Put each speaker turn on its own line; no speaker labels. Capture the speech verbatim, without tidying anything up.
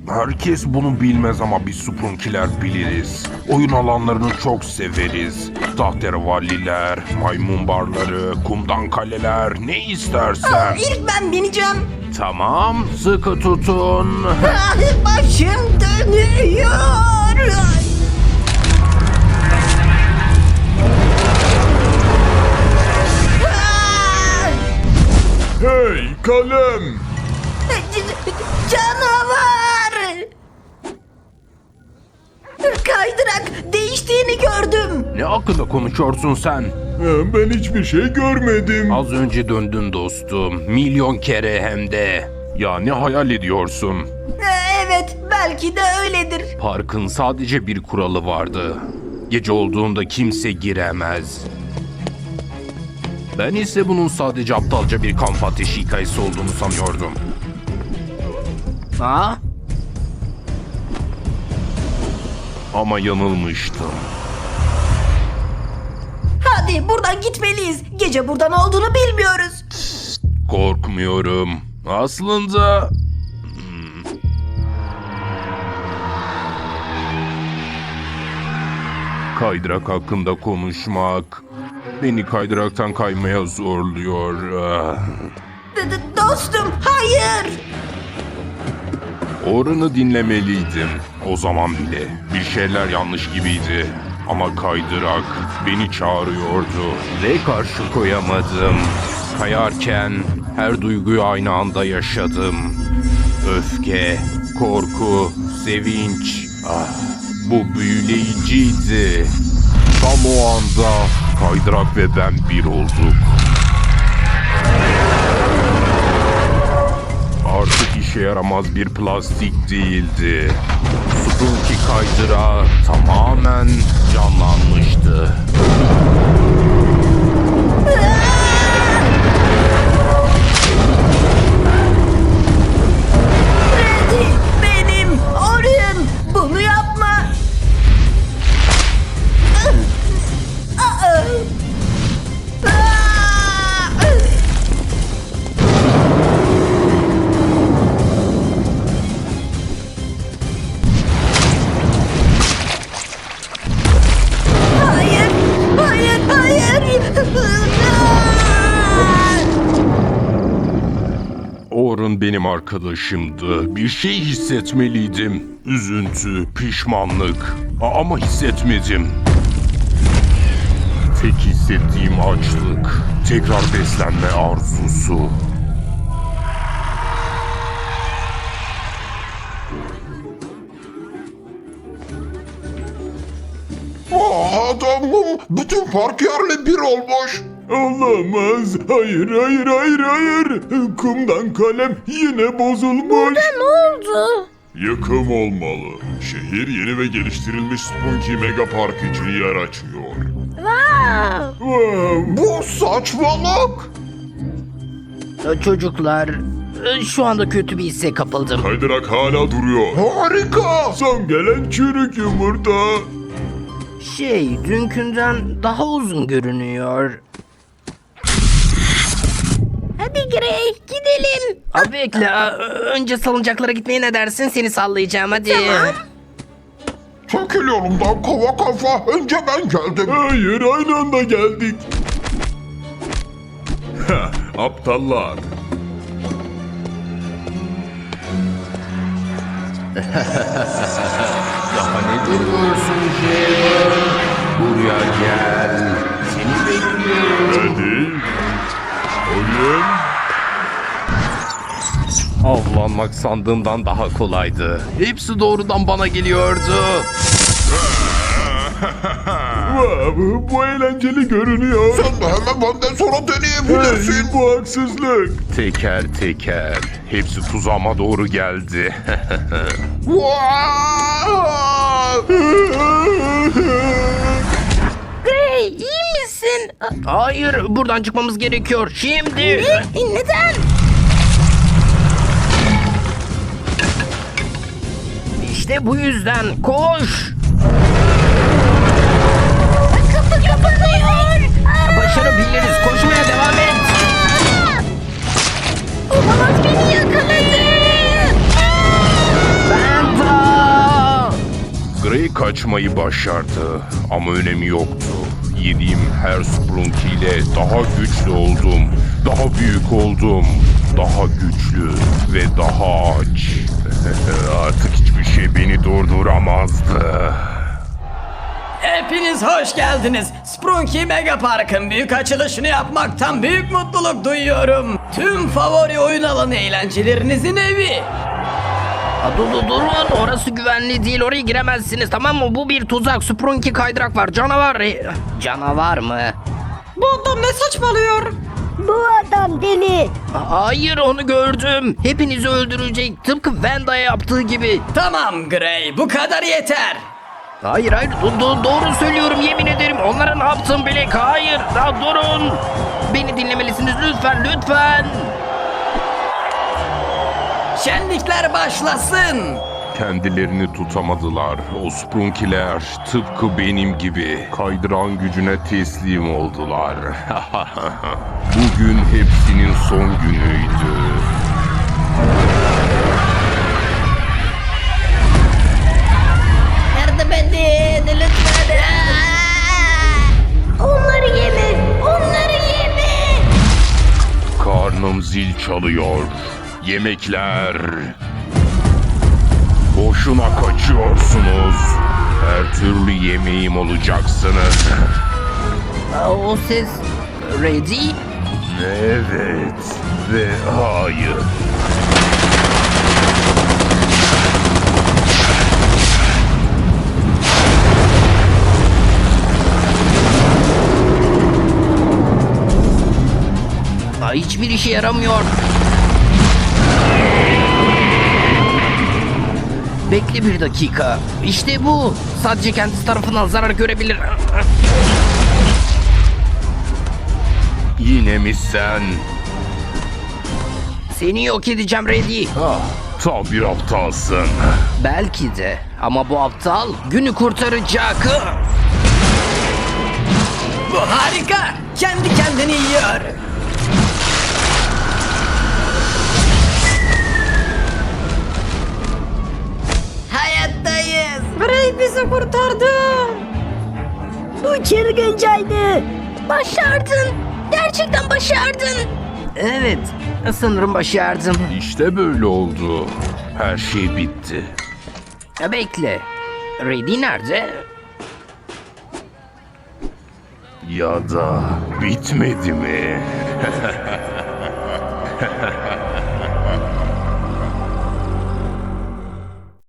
Herkes bunu bilmez ama biz Sprunkiler biliriz. Oyun alanlarını çok severiz. Tahterevalliler, maymun barları, kumdan kaleler, ne istersen.
İlk ben bineceğim.
Tamam, sıkı tutun.
Ah, başım dönüyor. Ah!
Hey kalem!
C- c- Canavar! Kaydırak değiştiğini gördüm.
Ne hakkında konuşuyorsun sen?
Ha, Ben hiçbir şey görmedim.
Az önce döndün dostum. Milyon kere hem de. Ya ne hayal ediyorsun?
Evet, belki de öyledir.
Parkın sadece bir kuralı vardı. Gece olduğunda kimse giremez. Ben ise bunun sadece aptalca bir kamp ateşi hikayesi olduğunu sanıyordum.
Ha?
Ama yanılmıştım.
Hadi buradan gitmeliyiz. Gece buradan olduğunu bilmiyoruz.
Korkmuyorum. Aslında... Hmm. Kaydırak hakkında konuşmak beni kaydıraktan kaymaya zorluyor. Ah.
D- d- dostum, hayır.
Orunu dinlemeliydim. O zaman bile bir şeyler yanlış gibiydi. Ama kaydırak beni çağırıyordu ve karşı koyamadım. Kayarken her duyguyu aynı anda yaşadım. Öfke, korku, sevinç. Ah, bu büyüleyiciydi. Tam o anda kaydırak ve ben bir olduk. Artık işe yaramaz bir plastik değildi. Sprunki kaydırağı tamamen canlanmıştı.
Freddy, benim, Orion. Bunu yapma. Ah! Ah! Ah! Hayır, hayır, hayır.
Orun benim arkadaşımdı. Bir şey hissetmeliydim. Üzüntü, pişmanlık. A- Ama hissetmedim. Tek hissettiğim açlık. Tekrar beslenme arzusu.
Adamım bütün park yerle bir olmuş. Olamaz. Hayır hayır hayır hayır. Kumdan kalem yine bozulmuş.
Ne oldu?
Yıkım olmalı. Şehir yeni ve geliştirilmiş Spunky Mega Park için yer açıyor. Wow. Bu saçmalık.
Çocuklar, şu anda kötü bir hisse kapıldım.
Kaydırak hala duruyor. Harika. Son gelen çürük yumurta.
Şey, dünkünden daha uzun görünüyor.
Hadi Gray, gidelim.
Abi bekle, a- önce salıncaklara gitmeye ne dersin? Seni sallayacağım, hadi.
Çekil yolumdan kova kafa. Önce ben geldim. Hayır aynı anda geldik. Aptallar.
Daha ne duruyorsun Jay? Buraya gel. Seni bekliyorum.
Hadi. Oyun.
Avlanmak sandığımdan daha kolaydı. Hepsi doğrudan bana geliyordu.
Wow, bu eğlenceli görünüyor. Sen de hemen benden sonra deneyebilirsin. Hey, bu haksızlık.
Teker teker. Hepsi tuzağıma doğru geldi.
Gray, iyi misin?
Hayır, buradan çıkmamız gerekiyor. Şimdi.
E, Neden?
İşte bu yüzden koş.
Kapı kapanıyor.
Başarabiliriz. Koşmaya devam et.
Olamaz, beni yakaladı.
Ben
Gray kaçmayı başardı ama önemi yoktu. Yediğim her Sprunky ile daha güçlü oldum. Daha büyük oldum. Daha güçlü ve daha aç. Artık hiçbir şey beni durduramazdı.
Hepiniz hoş geldiniz. Sprunky Mega Park'ın büyük açılışını yapmaktan büyük mutluluk duyuyorum. Tüm favori oyun alanı eğlencelerinizin evi.
Aa, dur, dur, durun, orası güvenli değil, oraya giremezsiniz, tamam mı? Bu bir tuzak, Sprunky kaydırak var, canavar. E, Canavar mı?
Bu adam ne saçmalıyor?
Bu adam deli.
Aa, hayır, onu gördüm. Hepinizi öldürecek, tıpkı Vanda'ya yaptığı gibi.
Tamam Gray, bu kadar yeter.
Hayır hayır, do- do- doğru söylüyorum, yemin ederim. Onlara ne yaptım Black? Hayır, daha durun. Beni dinlemelisiniz lütfen, lütfen.
Şenlikler başlasın.
Kendilerini tutamadılar. O Sprunkiler tıpkı benim gibi kaydıran gücüne teslim oldular. Bugün hepsinin son günüydü.
Yardım edin lütfen. Aa! Onları yeme. Onları yeme.
Karnım zil çalıyor. Yemekler. Boşuna kaçıyorsunuz. Her türlü yemeğim olacaksınız.
Aa, o ses... Ready?
Evet ve hayır.
Aa, hiçbir işe yaramıyor. Bekle bir dakika. İşte bu. Sadece kendisi tarafından zarar görebilir.
Yine mi sen?
Seni yok edeceğim Ready.
Ah, tam bir aptalsın.
Belki de. Ama bu aptal günü kurtaracak.
Bu harika. Kendi kendini yiyor.
Hayattayız.
Gray bizi kurtardı.
Bu çılgıncaydı. Başardın. Gerçekten başardın.
Evet. Sanırım başardım.
İşte böyle oldu. Her şey bitti.
Ya bekle. Ready nerede?
Ya da bitmedi mi?